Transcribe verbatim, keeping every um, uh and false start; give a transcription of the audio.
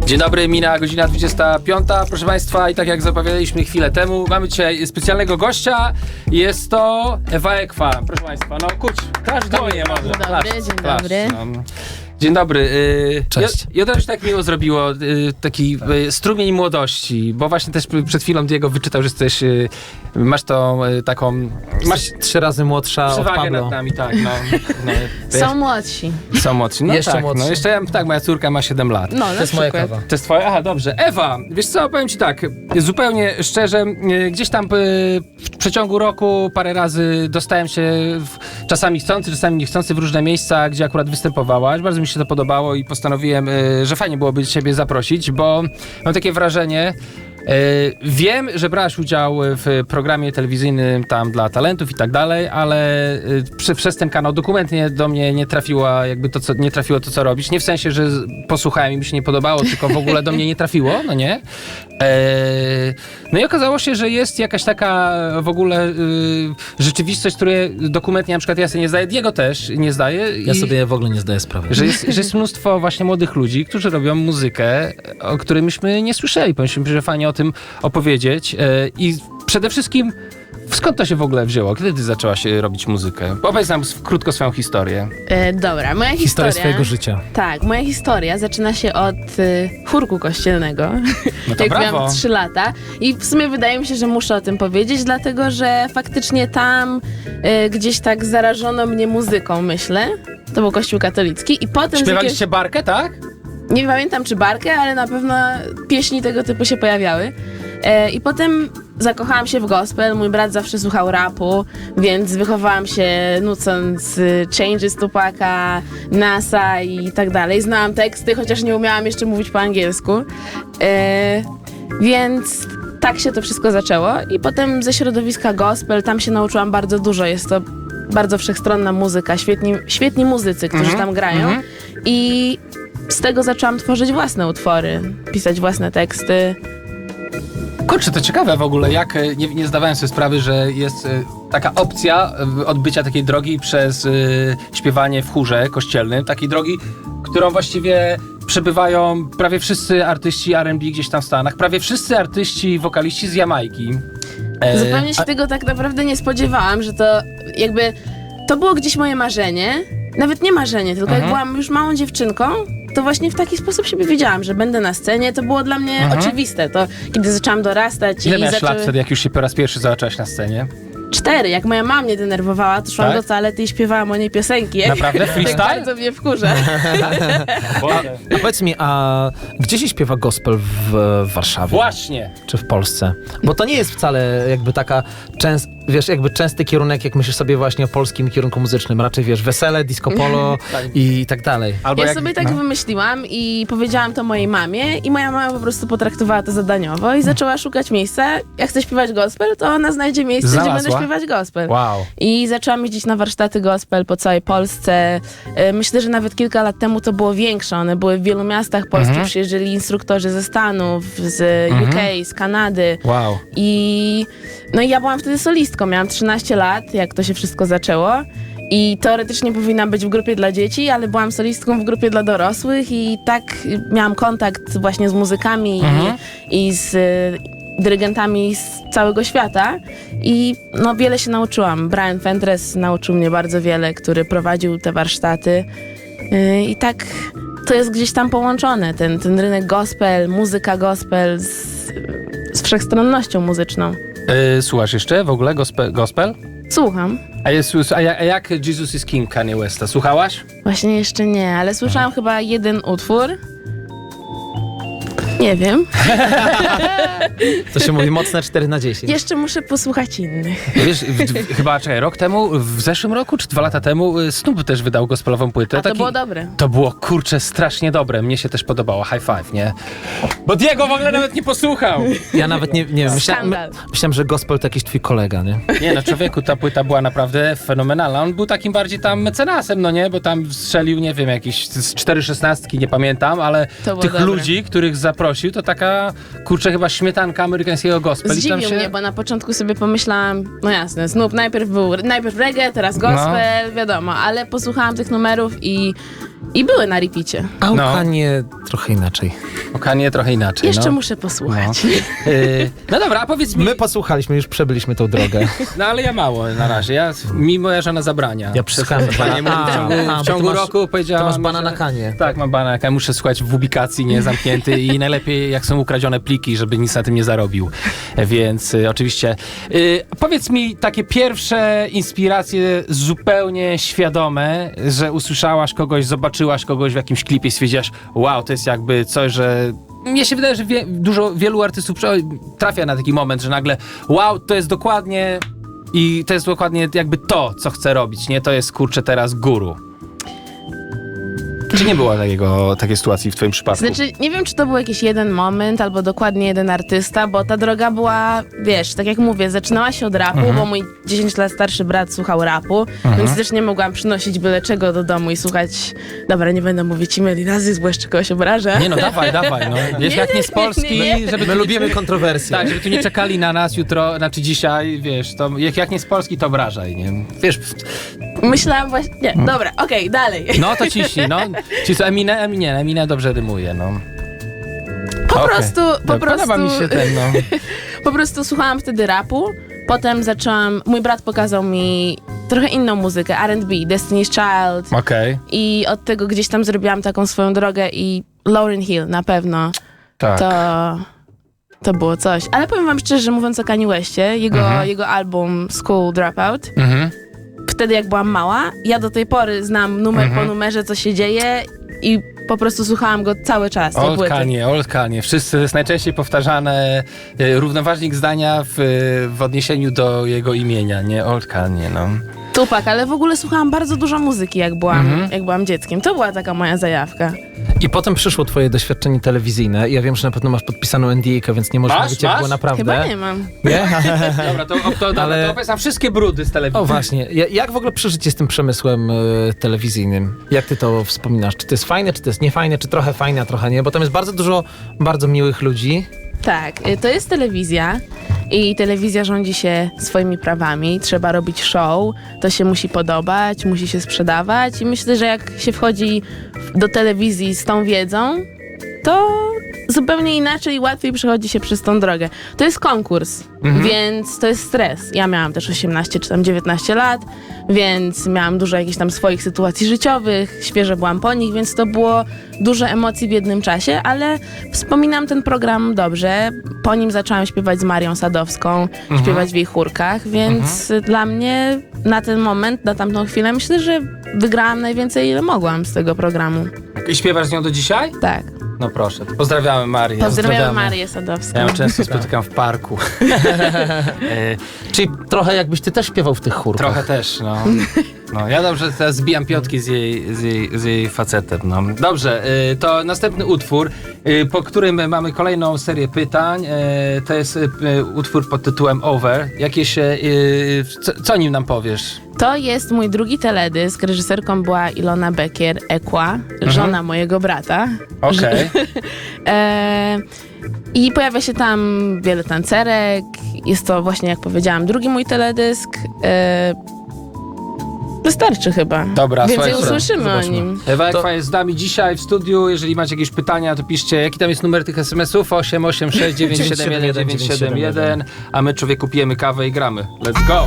Dzień dobry, mina godzina dwudziesta piąta. Proszę Państwa, i tak jak zapowiadaliśmy chwilę temu, mamy dzisiaj specjalnego gościa. Jest to Ewa Ekwa. Proszę Państwa, no kurcz, klasz do mnie może. Dzień dobry, Klasz, dzień klasz, dobry. no. Dzień dobry. y, Cześć. Ja, ja też tak miło zrobiło, y, taki y, strumień młodości, bo właśnie też przed chwilą Diego wyczytał, że jesteś, y, masz tą y, taką, masz Trzy razy młodsza od przewagę Pablo. nad nami, tak, no. no Są młodsi. są młodsi. No Jeszcze tak, młodsi. no jeszcze, tak, moja córka ma siedem lat. No, na To jest moja przykład. kawa. To jest twoje? Aha, dobrze. Ewa, wiesz co, powiem ci tak, zupełnie szczerze, y, gdzieś tam y, w przeciągu roku parę razy dostałem się w, czasami chcący, czasami niechcący w różne miejsca, gdzie akurat występowałaś. Bardzo mi się to podobało i postanowiłem, y, że fajnie byłoby ciebie zaprosić, bo mam takie wrażenie, y, wiem, że brałaś udział w programie telewizyjnym tam dla talentów i tak dalej, ale y, przy, przez ten kanał dokumentnie do mnie nie trafiło, jakby to, co, nie trafiło to, co robisz. Nie w sensie, że z- posłuchałem i mi się nie podobało, tylko w ogóle do mnie nie trafiło, no nie? E, no i okazało się, że jest jakaś taka w ogóle y, rzeczywistość, której dokumentnie na przykład ja sobie nie zdaję, Diego też nie zdaje. Ja i- sobie w ogóle nie zdaję sprawy. że jest, że jest mnóstwo właśnie młodych ludzi, którzy robią muzykę, o której myśmy nie słyszeli. Powinniśmy, że fajnie o tym opowiedzieć. E, I przede wszystkim, skąd to się w ogóle wzięło? Kiedy ty zaczęłaś e, robić muzykę? Opowiedz nam s- krótko swoją historię. E, dobra, moja historia... Historia swojego życia. Tak, moja historia zaczyna się od y, chórku kościelnego, No to jak brawo. miałam trzy lata. I w sumie wydaje mi się, że muszę o tym powiedzieć, dlatego że faktycznie tam y, gdzieś tak zarażono mnie muzyką, myślę. To był kościół katolicki i potem... z jakiegoś- Śpiewaliście barkę, tak? Nie pamiętam czy barkę, ale na pewno pieśni tego typu się pojawiały. E, I potem zakochałam się w gospel. Mój brat zawsze słuchał rapu, więc wychowałam się nucąc y, Changes Tupaka, NASA i tak dalej. Znałam teksty, chociaż nie umiałam jeszcze mówić po angielsku. E, więc tak się to wszystko zaczęło. I potem ze środowiska gospel, tam się nauczyłam bardzo dużo. Jest to bardzo wszechstronna muzyka, świetni, świetni muzycy, którzy Mhm, tam grają. mhm. I z tego zaczęłam tworzyć własne utwory, pisać własne teksty. Kurczę, to ciekawe w ogóle, jak e, nie, nie zdawałem sobie sprawy, że jest e, taka opcja e, odbycia takiej drogi przez e, śpiewanie w chórze kościelnym, takiej drogi, którą właściwie przebywają prawie wszyscy artyści R and B gdzieś tam w Stanach, prawie wszyscy artyści, wokaliści z Jamajki. E, Zupełnie się a- tego tak naprawdę nie spodziewałam, że to jakby... To było gdzieś moje marzenie. Nawet nie marzenie, tylko Mhm. jak byłam już małą dziewczynką, to właśnie w taki sposób siebie widziałam, że będę na scenie. To było dla mnie Mhm. oczywiste. To kiedy zaczęłam dorastać Ile i miałeś zaczęły... lat wtedy, jak już się po raz pierwszy zobaczyłaś na scenie? Cztery. Jak moja mama mnie denerwowała, to szłam Tak? do toalety i śpiewałam o niej piosenki. Jak, Naprawdę? jak Freestyle? bardzo mnie wkurza. A powiedz mi, a gdzie się śpiewa gospel w, w Warszawie? Właśnie! Czy w Polsce? Bo to nie jest wcale jakby taka częst, wiesz, jakby częsty kierunek, jak myślisz sobie właśnie o polskim kierunku muzycznym. Raczej wiesz, wesele, disco polo i tak dalej. Albo Ja jak, sobie tak no. wymyśliłam i powiedziałam to mojej mamie i moja mama po prostu potraktowała to zadaniowo i zaczęła szukać miejsca. Jak chcę śpiewać gospel, to ona znajdzie miejsce, gdzie Znalazła? będę śpiewać gospel. Wow. I zaczęłam jeździć na warsztaty gospel po całej Polsce. E, Myślę, że nawet kilka lat temu to było większe. One były w wielu miastach polskich. Mhm. Przyjeżdżali instruktorzy ze Stanów, z Mhm. U K, z Kanady. Wow. I no i ja byłam wtedy solistką, miałam trzynaście lat, jak to się wszystko zaczęło. I teoretycznie powinnam być w grupie dla dzieci, ale byłam solistką w grupie dla dorosłych i tak miałam kontakt właśnie z muzykami Mhm. i, i z y, dyrygentami z całego świata. I no wiele się nauczyłam. Brian Fentres nauczył mnie bardzo wiele, który prowadził te warsztaty. Y, I tak to jest gdzieś tam połączone, ten, ten rynek gospel, muzyka gospel z, z wszechstronnością muzyczną. E, słuchasz jeszcze w ogóle gospel? gospel? Słucham. A, jest, a, jak, a jak Jesus is King Kanye Westa? Słuchałaś? Właśnie jeszcze nie, ale słyszałam chyba jeden utwór. Nie wiem. To się mówi mocne cztery na dziesięć. Jeszcze muszę posłuchać innych. Wiesz, w, w, chyba czekaj, rok temu, w zeszłym roku, czy dwa lata temu, y, Snoop też wydał gospelową płytę. A to Taki- było dobre. To było, kurczę, strasznie dobre. Mnie się też podobało. High five, nie? Bo Diego w ogóle nawet nie posłuchał. Ja nawet nie, nie wiem, myślałem, Skandal. myślałem, że gospel to jakiś twój kolega, nie? Nie no, człowieku, ta płyta była naprawdę fenomenalna. On był takim bardziej tam mecenasem, no nie? Bo tam strzelił, nie wiem, jakieś z cztery szesnastki, nie pamiętam, ale To było tych dobre. ludzi, których zaprosił, to taka, kurczę, chyba śmietanka amerykańskiego gospel. I tam Zdziwił się... mnie, bo na początku sobie pomyślałam, no jasne, Snoop najpierw był, najpierw reggae, teraz gospel, wiadomo, ale posłuchałam tych numerów i i były na repicie. A u No. Kanie trochę inaczej. Okanie trochę inaczej. Jeszcze no. muszę posłuchać. No. Y, no dobra, a powiedz mi... My posłuchaliśmy, już przebyliśmy tą drogę. No ale ja mało na razie. Ja, mi moja żona zabrania. Ja przesłuchałem Panie, bana- w ciągu, A, w bo ciągu ty masz- roku powiedziałam... To masz bana że- na Kanie. Tak, mam bana na Kanie. Muszę słuchać w ubikacji, nie zamknięty i najlepiej jak są ukradzione pliki, żeby nic na tym nie zarobił. Więc y, oczywiście... Y, powiedz mi takie pierwsze inspiracje zupełnie świadome, że usłyszałaś kogoś, zobaczyłaś kogoś w jakimś klipie i stwierdziłaś, wow, to jest jakby coś, że... Mnie się wydaje, że wie, dużo, wielu artystów prze- trafia na taki moment, że nagle wow, to jest dokładnie i to jest dokładnie jakby to, co chcę robić, nie? To jest, kurczę, teraz guru. Czy nie było takiego, takiej sytuacji w twoim przypadku? Znaczy, nie wiem, czy to był jakiś jeden moment, albo dokładnie jeden artysta, bo ta droga była, wiesz, tak jak mówię, zaczynała się od rapu, Mhm. bo mój dziesięć lat starszy brat słuchał rapu, więc też nie mogłam przynosić byle czego do domu i słuchać, dobra, nie będę mówić imię nazwisk, bo jeszcze kogoś obrażę. Nie no, dawaj, dawaj, no. Wiesz, Nie, jak nie z nie, Polski, nie, nie. żeby My tu lubimy nie, kontrowersje. tak, żeby tu nie czekali na nas jutro, znaczy dzisiaj, wiesz, to jak, jak nie z Polski, to obrażaj, nie? Wiesz, Myślałam właśnie, nie, dobra, okej, dalej. no to ciśnij, no. Ci co, Eminem, Eminem, Eminem dobrze rymuje, no. Po Okej. prostu, po Dobra, prostu, Podoba mi się ten, no. po prostu słuchałam wtedy rapu, potem zaczęłam, mój brat pokazał mi trochę inną muzykę, R and B, Destiny's Child, Okej, i od tego gdzieś tam zrobiłam taką swoją drogę i Lauryn Hill na pewno tak. to, to było coś. Ale powiem wam szczerze, mówiąc o Kanye Westie, jego, Mhm. jego album School Dropout, Mhm. wtedy jak byłam mała, ja do tej pory znam numer Mhm. po numerze, co się dzieje i po prostu słuchałam go cały czas, tej Old płyty. Kanye, Old Kanye. Wszyscy, to jest najczęściej powtarzane e, równoważnik zdania w, w odniesieniu do jego imienia, nie? Old Kanye, no. Tupac, ale w ogóle słuchałam bardzo dużo muzyki, jak byłam, Mhm. jak byłam dzieckiem. To była taka moja zajawka. I potem przyszło twoje doświadczenie telewizyjne. Ja wiem, że na pewno masz podpisaną N D A, więc nie można Masz? wiedzieć, jak Masz? było naprawdę. Chyba nie mam. Nie? Dobra, to, to, to, Ale- to opowiedz nam wszystkie brudy z telewizji. O właśnie, Ja- jak w ogóle przeżycie z tym przemysłem e, telewizyjnym? Jak ty to wspominasz? Czy to jest fajne, czy to jest niefajne, czy trochę fajne, a trochę nie? Bo tam jest bardzo dużo bardzo miłych ludzi. Tak, y, to jest telewizja i telewizja rządzi się swoimi prawami. Trzeba robić show, to się musi podobać, musi się sprzedawać i myślę, że jak się wchodzi do telewizji z tą wiedzą, to zupełnie inaczej i łatwiej przechodzi się przez tą drogę. To jest konkurs, więc to jest stres. Ja miałam też osiemnaście czy tam dziewiętnaście lat, więc miałam dużo jakichś tam swoich sytuacji życiowych, świeżo byłam po nich, więc to było dużo emocji w jednym czasie, ale wspominam ten program dobrze. Po nim zaczęłam śpiewać z Marią Sadowską, śpiewać w jej chórkach, więc dla mnie na ten moment, na tamtą chwilę myślę, że wygrałam najwięcej, ile mogłam z tego programu. I śpiewasz z nią do dzisiaj? Tak. No proszę. Pozdrawiamy Marię. Pozdrawiam Pozdrawiamy. Marię Sadowską. Ja ją często spotykam w parku. e, Czyli trochę jakbyś ty też śpiewał w tych chórkach. trochę też, no. no. Ja dobrze teraz zbijam piątki z jej, z jej, z jej facetem, no. Dobrze, y, to następny utwór, y, po którym mamy kolejną serię pytań. Y, to jest y, utwór pod tytułem Over. Jakieś, y, co, co o nim nam powiesz? To jest mój drugi teledysk. Reżyserką była Ilona Bekier, Ekła, żona mojego brata. Okej. E, I pojawia się tam wiele tancerek. Jest to właśnie, jak powiedziałam, drugi mój teledysk. E, wystarczy chyba. Dobra, Więcej słuchajcie, usłyszymy o zobaczmy. nim. Ewa Ekwa To- jest z nami dzisiaj w studiu. Jeżeli macie jakieś pytania, to piszcie. Jaki tam jest numer tych es em esów? osiem osiem sześć dziewięć siedem jeden dziewięć siedem jeden. A my, człowieku, pijemy kawę i gramy. Let's go!